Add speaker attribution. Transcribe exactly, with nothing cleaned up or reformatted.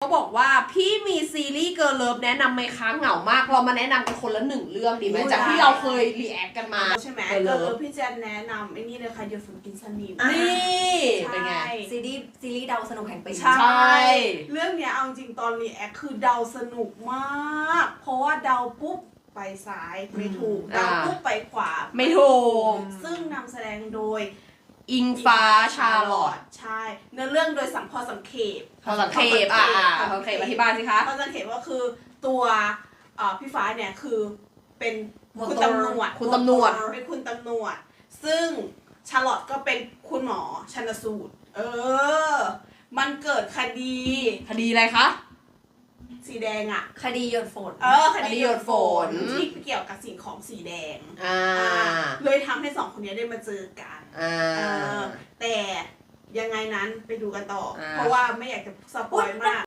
Speaker 1: บอกว่าพี่มีซีรีส์เกิร์ลเลิฟแนะนำไหมคะเหงามากเรามาแนะนำกันคนละหนึ่งเรื่องดีไหมจากที่เราเคยรีแอคกันมา
Speaker 2: ใช่ไหมเกิร์ลเลิฟพี่แจนแนะนำไอ้นี่เลยค่ะหยดฝนกินสนิม
Speaker 1: นี่เป็นไง
Speaker 3: ซีรีส์ซีรีส์เดาสนุกแห่งปี
Speaker 2: ใช่เรื่องเนี้ยเอาจริงตอนรีแอคคือเดาสนุกมากเพราะว่าเดาปุ๊บไปซ้ายไม่ถูกเดาปุ๊บไปขวา
Speaker 1: ไม่ถูก
Speaker 2: ซึ่งนำแสดงโดย
Speaker 1: อิงฟ้าชาลอต
Speaker 2: ใช่เนื้อเรื่องโดยสังพอสังเขป
Speaker 1: พอสังเขปอ่ะพอสังเขปอธิบายสิคะ
Speaker 2: พอสังเขปก็คือตัวพี่ฟ้าเนี่ยคือเป็นคุณตำรวจ
Speaker 1: คุณตำรวจ
Speaker 2: เป็นคุณตำรวจซึ่งชาลอตก็เป็นคุณหมอชันสูตรเออมันเกิดคดี
Speaker 1: คดีอะไรคะ
Speaker 2: สีแดงอ่ะ
Speaker 3: คดีหยดฝน
Speaker 2: เออคดี
Speaker 1: หยดฝน
Speaker 2: ที่เกี่ยวกับสิ่งของสีแดง
Speaker 1: อ่า
Speaker 2: เลยทำให้สองคนนี้ได้มาเจอกัน
Speaker 1: อ่า
Speaker 2: แต่ยังไงนั้นไปดูกันต่อเพราะว่าไม่อยากจะสปอยมาก